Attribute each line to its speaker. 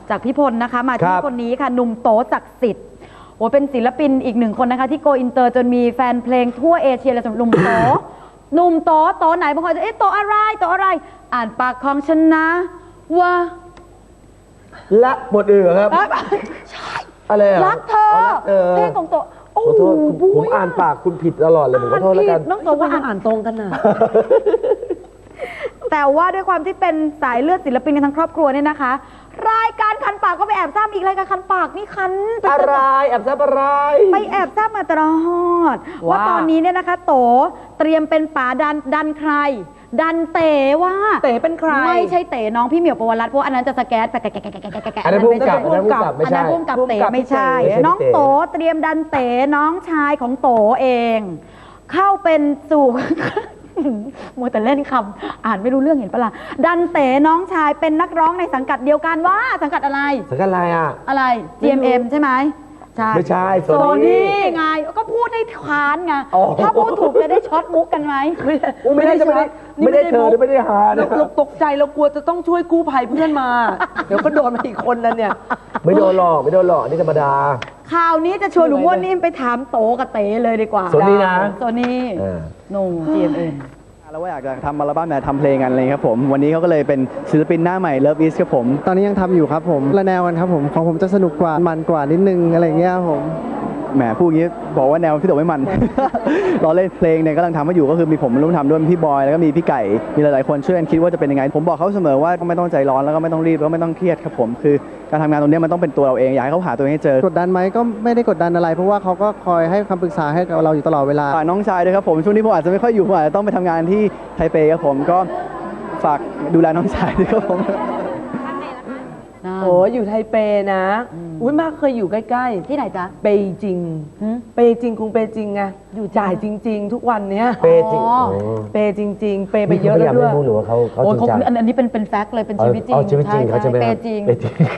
Speaker 1: จากพี่พลนะคะมาที่คนนี้ค่ะหนุ่มโตศักดิ์สิทธิ์โอ้เป็นศิลปินอีกหนึ่งคนนะคะที่โกอินเตอร์จนมีแฟนเพลงทั่วเอเชียเลยสำหรับหนุ่มโต หนุ่มโตไหนบางคนจะโตอะไรอ่านปากของฉันนะว่า
Speaker 2: ละบทอื่นครับ
Speaker 1: ใช่
Speaker 2: อะไร
Speaker 1: รักเธอเพลงของโต
Speaker 2: ขอโทษผมอ่านปากคุณผิดตลอดเลยผมขอโทษแล้วกัน
Speaker 1: น้องโตว่าอ่านตรงกันนะแต่ว่าด้วยความที่เป็นสายเลือดศิลปินกันทั้งครอบครัวเนี่ยนะคะรายการคันปากก็ไปแอบซ้ำอีกรายการคันปากนี่คัน
Speaker 2: อะไรแอบซ้ำอะไร
Speaker 1: ไปแอบซ้ำมาตลอดว่าตอนนี้เนี่ยนะคะโตเตรียมเป็นป๋าดันใครดันเต๋ว่า
Speaker 3: เต๋เป็นใคร
Speaker 1: ไม่ใช่เต๋น้องพี่เหมียวปวรัตน์เพราะอันนั้นจะสแกต
Speaker 2: อันนั้นพุ่งกับ
Speaker 1: อันนั้นพุ่งกับเต๋ไม่ใช่น้องโตเตรียมดันเต๋น้องชายของโตเองเข้าเป็นสู่มัวแต่เล่นคำอ่านไม่รู้เรื่องเห็นปะล่ะดันเต๋น้องชายเป็นนักร้องในสังกัดเดียวกันว่าสังกัดอะไรอะไร GMM ใช่ไหมใช่
Speaker 2: ไม่ใช่
Speaker 1: โซนี่ไงก็พูดให้ค้านไงถ้าพูดถูกจะได้ช็อตมุกกันไหม
Speaker 2: ไม่ได้เธอไม่ได้หา
Speaker 3: เราตกใจเรากลัวจะต้องช่วยกู้ภัยเพื่อนมาเดี๋ยวก็โดนมาอีกคนนั้นเนี่ย
Speaker 2: ไม่โดนหลอกนี่ธรรมดา
Speaker 1: ข่าวนี้จะชวนหลุงม้วนนิ่มไปถามโตกับเต๋เลยดีกว่า
Speaker 2: โซนี่นะ
Speaker 1: โซนี่หนุ่ม GMM
Speaker 4: แล้วว่าอยากจะทำอัลบั้มทำเพลงกันเลยครับผมวันนี้เขาก็เลยเป็นศิลปินหน้าใหม่ Love Is ครับผม
Speaker 5: ตอนนี้ยังทำอยู่ครับผมละแนวกันครับผมของผมจะสนุกกว่ามันกว่านิดนึงอะไรเงี้ยผม
Speaker 4: แหมพูดอย่างนี้บอกว่าแนวพี่โตไม่มัน เราเล่นเพลงเนี่ยกำลังทำมาอยู่ก็คือมีผมร่วมทำด้วยพี่บอยแล้วก็มีพี่ไก่มีหลายๆคนช่วยกันคิดว่าจะเป็นยังไงผมบอกเขาเสมอว่าไม่ต้องใจร้อนแล้วก็ไม่ต้องรีบแล้วก็ไม่ต้องเครียดครับผมคือการทำงานตรงนี้มันต้องเป็นตัวเราเองอยากให้เขาหาตัวเองให้เจอก
Speaker 5: ดดันไหมก็ไม่ได้กดดันอะไรเพราะว่าเขาก็คอยให้คำปรึกษาให้กับเราอยู่ตลอดเวลา
Speaker 4: น้องชายด้วยครับผมช่วงนี้ผมอาจจะไม่ค่อยอยู่ผมอาจจะต้องไปทำงานที่ไทเปครับผมก็ฝากดูแลน้องชายด้วยครับผม
Speaker 3: โอ้อยู่ไทเปนะอุ้ยมากเคยอยู่ใกล้ๆ
Speaker 1: ที่ไหนจ๊ะ
Speaker 3: เปจิงกรุงเปจิงไงอยู่จ่ายจริงๆทุกวันเนี้ย
Speaker 2: เปจิง
Speaker 3: เปจริงๆเปไปเยอะแล้วด้วย
Speaker 2: หรือว่าเขาจริงจัง
Speaker 1: อันนี้เป็นแฟกต์เลยเป็นชีวิตจริง
Speaker 2: เขาจะเป
Speaker 1: จริง